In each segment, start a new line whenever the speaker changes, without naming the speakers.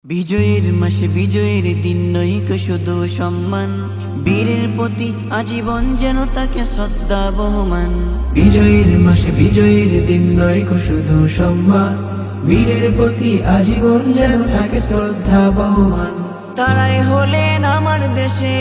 বিজয়ের মাসে বিজয়ের দিন নৈক শুধু সম্মান, বীরের প্রতি আজীবন যেন তাকে শ্রদ্ধা বহমান।
বিজয়ের মাসে বিজয়ের দিন নয় শুধু সম্মান, বীরের প্রতি আজীবন যেন থাকে শ্রদ্ধা বহমান।
তারাই হলেন আমার দেশে,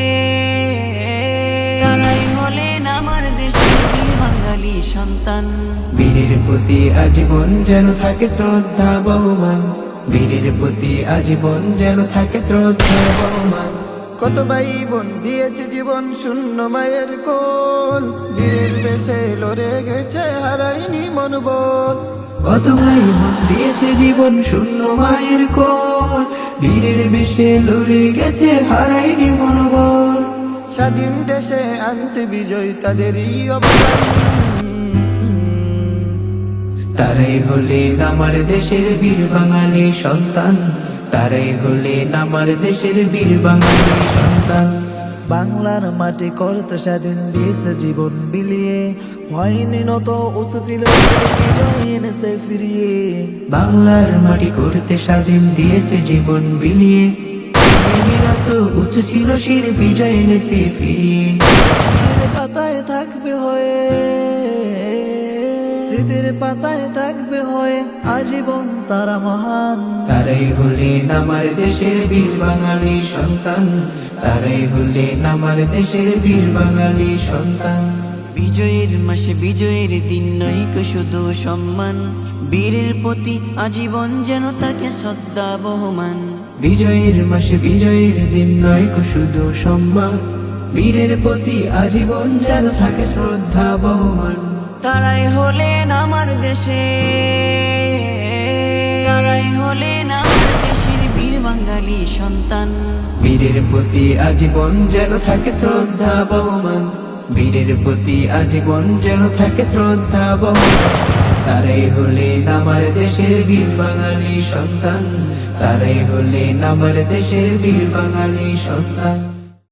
তারাই হলেন আমার দেশের বীর বাঙালি সন্তান।
বীরের প্রতি আজীবন যেন থাকে শ্রদ্ধা বহমান, বীরের প্রতি আজীবন যেন থাকে শ্রদ্ধা বহমান।
কত ভাই বোন দিয়েছে জীবন শূন্য মায়ের কোল, বীরের বেশে লড়ে গেছে হারাইনি মনোবল।
কত ভাই বোন দিয়েছে জীবন শূন্য মায়ের কোল, বীরের বেশে লড়ে গেছে হারাইনি মনোবল।
স্বাধীন দেশে আনতে বিজয় তাদেরই অবদান।
তারাই হলেন আমার দেশের বীর বাঙালি সন্তান, তারাই হলেন আমার দেশের বীর বাঙালি সন্তান।
বাংলার মাটি করতে স্বাধীন দিয়েছে জীবন বিলিয়ে, হয়নি নত উঁচু ছিল বিজয় এনেছে ফিরিয়ে।
বাংলার মাটি করতে স্বাধীন দিয়েছে জীবন বিলিয়ে, তো উঁচু ছিল শির বিজয় এনেছে ফিরিয়ে।
স্মৃতির পাতায় থাকবে হয়ে, স্মৃতির পাতায় থাকবে হয়ে আজীবন তারা মহান।
তারাই হলেন আমার দেশের বীর বাঙালি সন্তান, তারাই হলেন আমার দেশের বীর বাঙালি সন্তান।
বিজয়ের মাসে বিজয়ের দিন নৈক শুধু সম্মান, বীরের প্রতি আজীবন যেন তাকে শ্রদ্ধা বহমান।
বিজয়ের মাসে বিজয়ের দিন নয় শুধু সম্মান, বীরের প্রতি আজীবন যেন থাকে শ্রদ্ধা বহমান।
তারাই হলেন আমার দেশে, তারাই হলেন আমার দেশের বীর বাঙালি সন্তান।
বীরের প্রতি আজীবন যেন থাকে শ্রদ্ধা বহমান, বীরের প্রতি আজীবন যেন থাকে শ্রদ্ধা বহমান। তারাই হলেন আমার দেশের বীর বাঙালি সন্তান, তারাই হলেন আমার দেশের বীর বাঙালি সন্তান।